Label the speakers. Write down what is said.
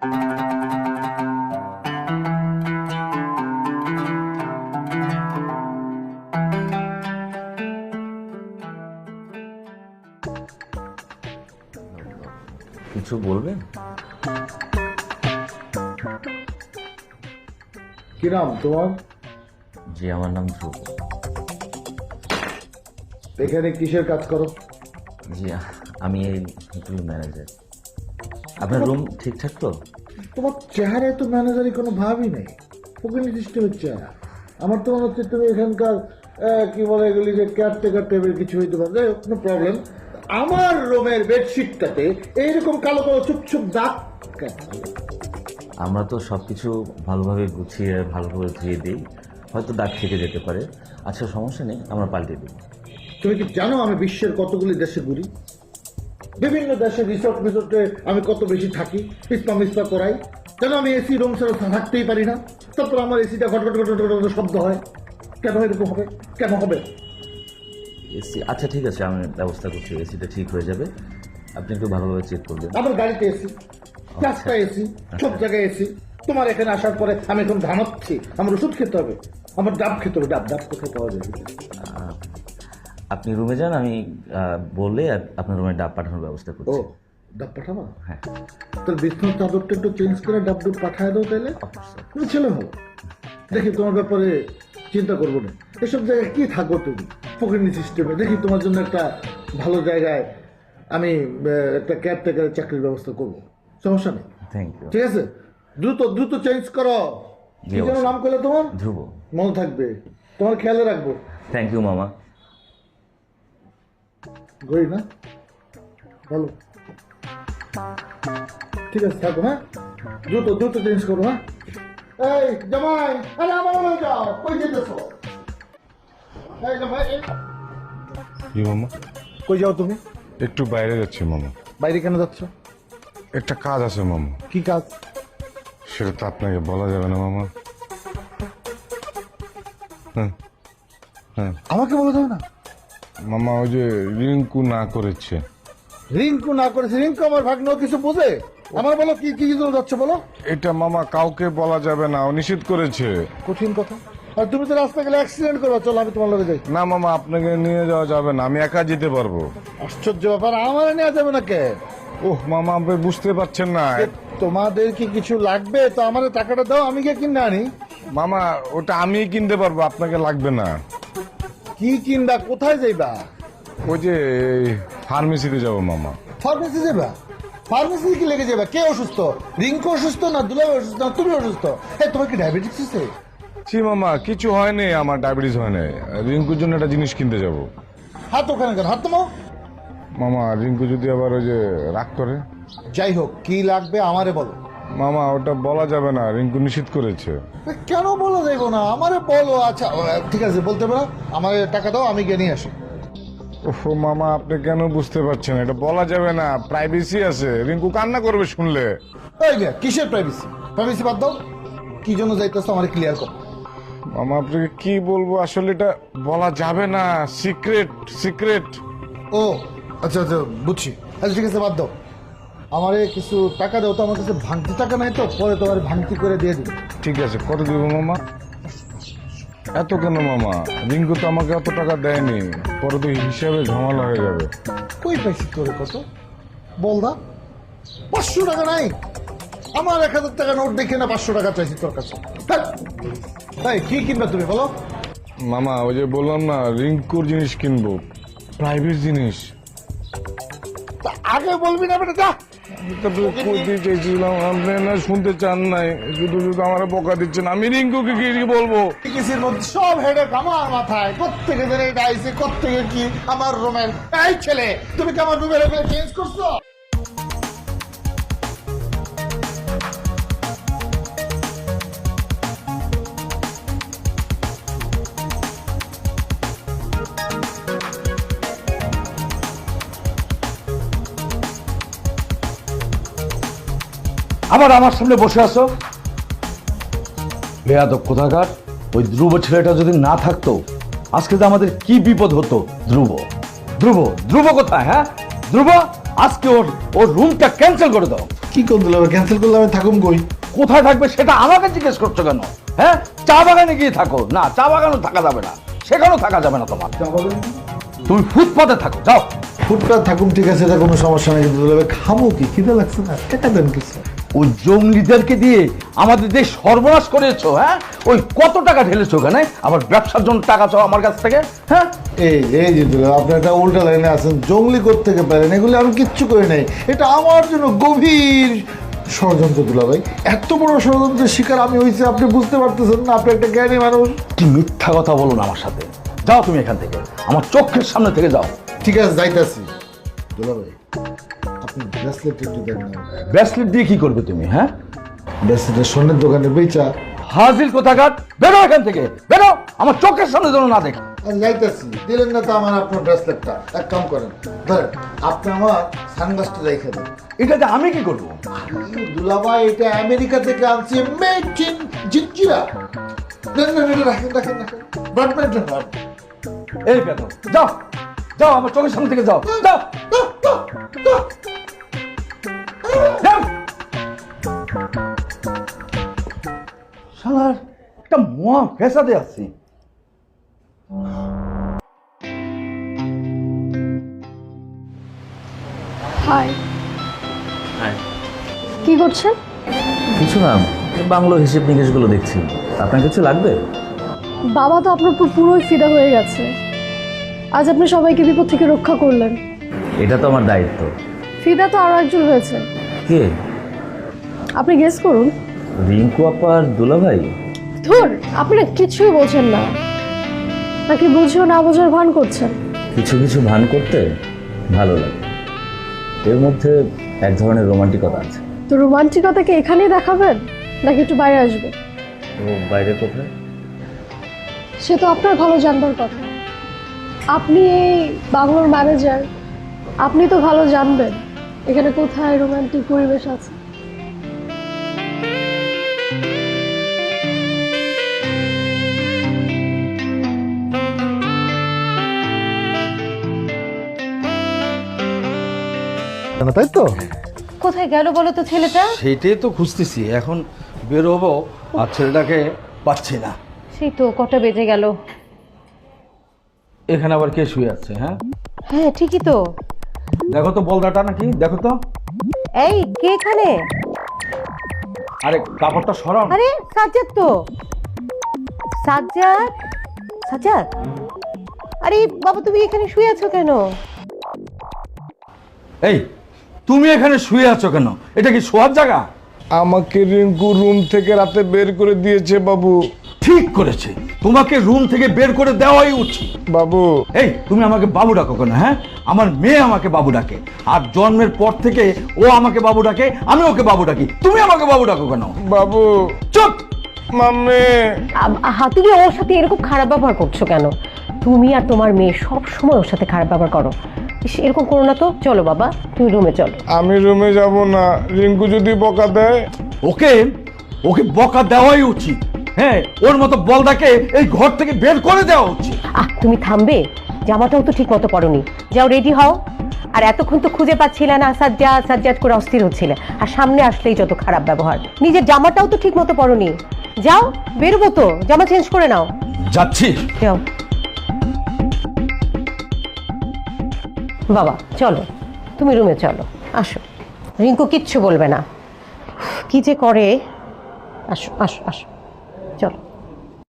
Speaker 1: কিছু বলবেন?
Speaker 2: কি নাম তোমার?
Speaker 1: জি, আমার নাম ধ্রুব।
Speaker 2: এখানে কিসের কাজ করো?
Speaker 1: জি, আমি এই হোটেল ম্যানেজার। আপনার রুম ঠিকঠাক তো?
Speaker 2: তোমার চেহারায় তো ম্যানেজারই কোনো ভাবই নেই, ফকিনি সিস্টেমের চেহারা। আমার তো মনে হচ্ছে তুমি এখানকার কি বলে এগুলি যে কেয়ারটেকার টেবিল কিছু হইতে পারে, যাই হোক, কোনো প্রবলেম। আমার রুমের বেডশিটটাতে এইরকম কালো কালো চুপচুপ দাগ কেন?
Speaker 1: আমরা তো সব কিছু ভালোভাবে গুছিয়ে ভালোভাবে ধুয়ে দিই, হয়তো দাগ থেকে যেতে পারে। আচ্ছা, সমস্যা নেই, আমরা পাল্টে দিই।
Speaker 2: তুমি কি জানো আমি বিশ্বের কতগুলি দেশে ঘুরি? বিভিন্ন দেশে রিসোর্টে আমি কত বেশি থাকি, মিসপা করাই। কেন আমি এসি রুম ছাড়া থাকতেই পারি না? তারপর আমার এসিটা ঘট ঘট ঘট ঘট ঘট শব্দ হয়। কেন এরকম হবে? কেন হবে?
Speaker 1: এসি, আচ্ছা ঠিক আছে, আমি ব্যবস্থা করছি, এসিটা ঠিক হয়ে যাবে। আপনি একটু ভালোভাবে চেক করবেন।
Speaker 2: আমার গাড়িতে এসি, রাস্তায় এসি, সব জায়গায় এসি। তোমার এখানে আসার পরে আমি এখন ঘামাচ্ছি, আমার ওষুধ খেতে হবে, আমার ডাব খেতে হবে। ডাব ডাব কোথায় পাওয়া যাবে?
Speaker 1: আপনি রুমে যান, আমি বললে আপনার রুমে ডাব পাঠানোর ব্যবস্থা
Speaker 2: ও,
Speaker 1: করছি।
Speaker 2: ডাব পাঠাবা?
Speaker 1: হ্যাঁ,
Speaker 2: তোর বিছনার চাদরটা একটু চেঞ্জ করে ডাব ডুব পাঠায় দাও তাইলে।
Speaker 1: অবশ্যই।
Speaker 2: তুমি ছেলে হো, দেখি তোমার ব্যাপারে চিন্তা করবো না। এসব জায়গায় কি থাকো তুমি ফকিনি সিস্টেমে? দেখি তোমার জন্য একটা ভালো জায়গায় আমি একটা কেয়ারটেকারের চাকরির ব্যবস্থা করবো, সমস্যা নেই।
Speaker 1: Thank you.
Speaker 2: ঠিক আছে, দ্রুত দ্রুত চেঞ্জ করো। কি যেন নাম করলে তোমার?
Speaker 1: ধ্রুব।
Speaker 2: মনে থাকবে, তোমার খেয়ালে রাখবো।
Speaker 1: থ্যাংক ইউ মামা।
Speaker 2: গই না, ভালো, ঠিক আছে, থাকো। হ্যাঁ, দ্রুত দ্রুত চেঞ্জ করো। হ্যাঁ, এই জামাই, আরে আমার মনে যাও, কই যেতেছো? এই জামাই,
Speaker 3: জি মামা,
Speaker 2: কই যাও তুমি?
Speaker 3: একটু বাইরে যাচ্ছি মামা।
Speaker 2: বাইরে কেন যাচ্ছ?
Speaker 3: একটা কাজ আছে মামা।
Speaker 2: কি কাজ?
Speaker 3: সেটা তো আপনাকে বলা যাবে না মামা। হ্যাঁ হ্যাঁ
Speaker 2: আমাকে বলে দাও না।
Speaker 3: মামা, ওই যে রিঙ্কু না করেছে।
Speaker 2: রিঙ্কু না করেছে? রিঙ্কু আমার ভাগ্ন, কিছু বোঝে? আমার বলো, কি কি জন্য যাচ্ছ বলো?
Speaker 3: এটা মামা কাউকে বলা যাবে না, ও নিষেধ করেছে।
Speaker 2: কঠিন কথা। আর তুমি তো রাস্তা গেলে অ্যাক্সিডেন্ট করো, চলো আমি তোমার লগে যাই।
Speaker 3: না মামা, আপনাকে নিয়ে যাওয়া যাবে না, আমি একা যেতে পারবো।
Speaker 2: আশ্চর্য ব্যাপার, আমার নেওয়া যাবে না কে?
Speaker 3: ওহ মামা, আপনি বুঝতে পারছেন না।
Speaker 2: তোমাদের কি কিছু লাগবে তো আমার টাকাটা দাও, আমি গিয়ে কিনে আনি।
Speaker 3: মামা, ওটা আমি কিনতে পারবো, আপনাকে লাগবে না।
Speaker 2: কি কিনবা? কোথায় যাইবা?
Speaker 3: ওই যে ফার্মেসিতে যাবো মামা।
Speaker 2: ফার্মেসি যাবা? ফার্মেসি কি লেগে যাবা? কে অসুস্থ? রিঙ্কু অসুস্থ না দুলাভাই অসুস্থ না তুমি অসুস্থ? তোমার কি ডায়াবেটিস আছে?
Speaker 3: জি মামা, কিছু হয়নি, আমার ডায়াবেটিস হয়নি। রিঙ্কুর জন্য একটা জিনিস কিনতে যাবো।
Speaker 2: হাত ওখানে কেন? হাত তোমাও।
Speaker 3: মামা, রিঙ্কু যদি আবার ওই যে রাগ করে?
Speaker 2: যাই হোক, কি লাগবে আমারে বলো।
Speaker 3: মামা, ওটা বলা যাবে না, রিঙ্কু নিষেধ করেছে।
Speaker 2: কেন বলো যাইবো না? আমারে বলো। আচ্ছা ঠিক আছে, বলতে পারো, আমার টাকা দাও, আমি গিয়ে নিয়ে আসি।
Speaker 3: ওহ মামা, আপনি কেন বুঝতে পারছেন? এটা বলা যাবে না, প্রাইভেসি আছে। রিঙ্কু কান্না করবে শুনলে।
Speaker 2: এই মিয়া, কিসের প্রাইভেসি? প্রাইভেসি বাদ দাও, কি জন্য যাইতেছো আমার ক্লিয়ার করো।
Speaker 3: মামা, আপনাকে কি বলবো, আসলে এটা বলা যাবে না, সিক্রেট সিক্রেট।
Speaker 2: ও আচ্ছা আচ্ছা, বুঝছি। আচ্ছা ঠিক আছে, বাদ দাও। আমারে কিছু টাকা দাও তো, আমার কাছে ভাঙতি টাকা নাই তো, পরে তোমার ভাঙতি করে দিয়ে দিই।
Speaker 3: ঠিক আছে, কত দিব মামা? এত কেন মামা? রিঙ্কু তো আমাকে অত টাকা দেয়নি, পরে তো হিসাবে ঝামেলা হয়ে যাবে।
Speaker 2: কই পাইছি তোরে কত? বল দা। 500 টাকা নাই? আমার 1000 টাকা নোট দেখে না 500 টাকা চাইছি তোর কাছে। তাই কি কিনবে তুমি বলো?
Speaker 3: মামা, ওই যে বললাম না, রিঙ্কুর জিনিস কিনবো, প্রাইভেট জিনিস।
Speaker 2: তা আগে বলবি না বেটা, যা।
Speaker 3: তারপরে কইতে চাইছিলাম, আপনি না শুনতে চান নাই, শুধু শুধু আমার বকা দিচ্ছেন। আমি রিঙ্কুকে কি বলবো?
Speaker 2: কিসের মধ্যে সব হেডেক আমার মাথায়। কোত্থেকে যেন এটা আইছে, কোত্থেকে কি আমার রুমের। এই ছেলে, তুমি কি আমার রুমের চেঞ্জ করছো?
Speaker 4: আবার আমার সামনে বসে আছো বেয়াদব কোথাকার। ওই ধ্রুব ছেলেটা যদি না থাকতো আজকে যে আমাদের কি বিপদ হতো। ধ্রুব ধ্রুব ধ্রুব কোথায়? হ্যাঁ ধ্রুব, আজকে ওর রুমটা ক্যান্সেল করে দাও।
Speaker 2: কি কোন দুলাভাই, ক্যান্সেল করলে আমি থাকুম কই?
Speaker 4: কোথায় থাকবে সেটা আমাকে জিজ্ঞেস করছো কেন? হ্যাঁ, চা বাগানে গিয়ে থাকো। না, চা বাগানও থাকা যাবে না, সেখানেও থাকা যাবে না তোমার। তুমি ফুটপাতে থাকো, যাও।
Speaker 2: ফুটপাত থাকুম ঠিক আছে, এটা কোনো সমস্যা নেই, কিন্তু দুলাভাই খাবো কি? খিদে লাগছে না, টাকা দেন কিছু।
Speaker 4: ওই জঙ্গলিদেরকে দিয়ে আমাদের দেশ সর্বনাশ করেছো। হ্যাঁ, ওই কত টাকা ঢেলেছো ওখানে, আবার ব্যবসার জন্য টাকা চাও আমার কাছ থেকে। হ্যাঁ,
Speaker 2: এই যে দুলাভাই, আপনি একটা উল্টা লাইনে আছেন, জঙ্গলি থেকে পারেন, এগুলো আমি কিচ্ছু করি নাই, এটা আমার জন্য গভীর ষড়যন্ত্র দুলাভাই। এত বড় ষড়যন্ত্রের শিকার আমি হয়েছি, আপনি বুঝতে পারতেছেন না? আপনি একটা জ্ঞানী মানুষ।
Speaker 4: কি মিথ্যা কথা বলো না আমার সাথে। যাও তুমি এখান থেকে, আমার চোখের সামনে থেকে যাও।
Speaker 2: ঠিক আছে, যাইতাছি। দুলাভাই, আপনি ব্রেসলেট একটু দেন না।
Speaker 4: ব্রেসলেট দিয়ে কি করবে তুমি? হ্যাঁ,
Speaker 2: ব্রেসলেটের স্বর্ণের দোকানে বেচা।
Speaker 4: হাজির কোথাকার, বেরো এখান থেকে, বেরো, আমার চোখের সামনে যেন না দেখো।
Speaker 2: যাইতাছি, দিলেন না তো আমার আপনার ব্রেসলেটটা। এক কাম করেন, ধরেন আপনি আমার সানগ্লাসটা রেখে দেন।
Speaker 4: এটাতে আমি কি করবো?
Speaker 2: দুলাভাই, এটা আমেরিকা থেকে আনছি, মেড ইন জিঞ্জিরা। দেন না, এটা রাখেন রাখেন রাখেন, ব্যাডমিন্টন না।
Speaker 4: এই বেতন, যাও যাও, আমার চোখের সামনে থেকে যাও, যাও যাও। শালার একটা মহা ফেসাদে আছি।
Speaker 5: হাই,
Speaker 1: হ্যাঁ,
Speaker 5: কি করছেন?
Speaker 1: কিছু না, বাংলো হিসেব নিকেশগুলো দেখছি। আপনার কিছু লাগবে?
Speaker 5: বাবা তো আপনার উপর পুরোই ফিদা হয়ে গেছে। আজ আপনি সবাইকে বিপদ থেকে রক্ষা করলেন।
Speaker 1: এটা তো আমার দায়িত্ব।
Speaker 5: ফিদা তো আরো একজন হয়েছে।
Speaker 1: কে?
Speaker 5: আপনি গেস করুন।
Speaker 1: রিঙ্কু আপার দুলাভাই?
Speaker 5: ধুর, আপনি না কিছুই বোঝেন না, নাকি বুঝেও না বোঝার ভান করছেন?
Speaker 1: কিছু কিছু ভান করতে ভালো লাগে, এর মধ্যে এক ধরনের রোমান্টিকতা আছে।
Speaker 5: তো রোমান্টিকতাকে এখানেই দেখাবেন, নাকি একটু বাইরে আসবেন?
Speaker 1: ও বাইরে কোথায়?
Speaker 5: সে তো আপনার ভালো জানবার কথা। আপনি এই বাংলোর ম্যানেজার, আপনি তো ভালো জানবেন এখানে কোথায় রোমান্টিক পরিবেশ আছে।
Speaker 2: তাই তো?
Speaker 6: কোথায় গেল বলো তো ছেলেটা?
Speaker 4: সেইটাই তো খুঁজতেছি, এখন বের হবো আর ছেলেটাকে পাচ্ছি না।
Speaker 6: সেই তো কটা বেজে গেল।
Speaker 4: এখানে আবার কে শুয়ে আছে? হ্যাঁ,
Speaker 6: হ্যাঁ ঠিকই তো।
Speaker 4: দেখো তো বলদাটা নাকি, দেখো তো।
Speaker 6: এই কে এখানে?
Speaker 4: আরে কাপড়টা সরান।
Speaker 6: আরে সাজ্জাদ তো। সাজ্জাদ, সাজ্জাদ, আরে বাবা তুমি এখানে শুয়ে আছো কেন?
Speaker 4: এই, তুমি এখানে শুয়ে আছো কেন? এটা কি শোয়ার জায়গা?
Speaker 3: আমাকে রিঙ্কু রুম থেকে রাতে বের করে দিয়েছে বাবু।
Speaker 4: ঠিক করেছে, তোমাকে রুম থেকে বের করে দেওয়াই উচিত।
Speaker 3: বাবু,
Speaker 4: এই তুমি আমাকে বাবু ডাকো কেন? হ্যাঁ, আমার মেয়ে আমাকে বাবু ডাকে, আর জন্মের পর থেকে ও আমাকে বাবু ডাকে, আমি ওকে বাবু ডাকি। তুমি আমাকে বাবু ডাকো কেন?
Speaker 3: বাবু,
Speaker 4: চুপ!
Speaker 3: মাম্মি।
Speaker 6: তুমি ওর সাথে এরকম খারাপ ব্যবহার করছো কেন? তুমি আর তোমার মেয়ে সব সময় ওর সাথে খারাপ ব্যবহার করো। ইস, এরকম করো না তো। চলো বাবা, তুমি রুমে চলো।
Speaker 3: আমি রুমে যাব না, রিঙ্কু যদি বকা দেয়।
Speaker 4: ওকে ওকে বকা দেওয়াই উচিত। হ্যাঁ, ওর মতো বলদাকে এই ঘর থেকে বের করে দেওয়া উচিত।
Speaker 6: তুমি থামবে? জামাটাও তো ঠিক মতো পরোনি। যাও রেডি হও। আর এতক্ষণ তো খুঁজে পাচ্ছিলে না, সাজ্জাদ সাজ্জাদ করে অস্থির হচ্ছিলে, আর সামনে আসলেই যত খারাপ ব্যবহার। নিজের জামাটাও তো ঠিক মতো পরোনি। যাও, বেরোবো তো, জামা চেঞ্জ করে নাও।
Speaker 4: যাচ্ছি।
Speaker 6: যাও বাবা, চলো তুমি রুমে চলো, আসো। রিঙ্কু কিচ্ছু বলবে না। কি যে করে। আসো আসো আসো, চলো।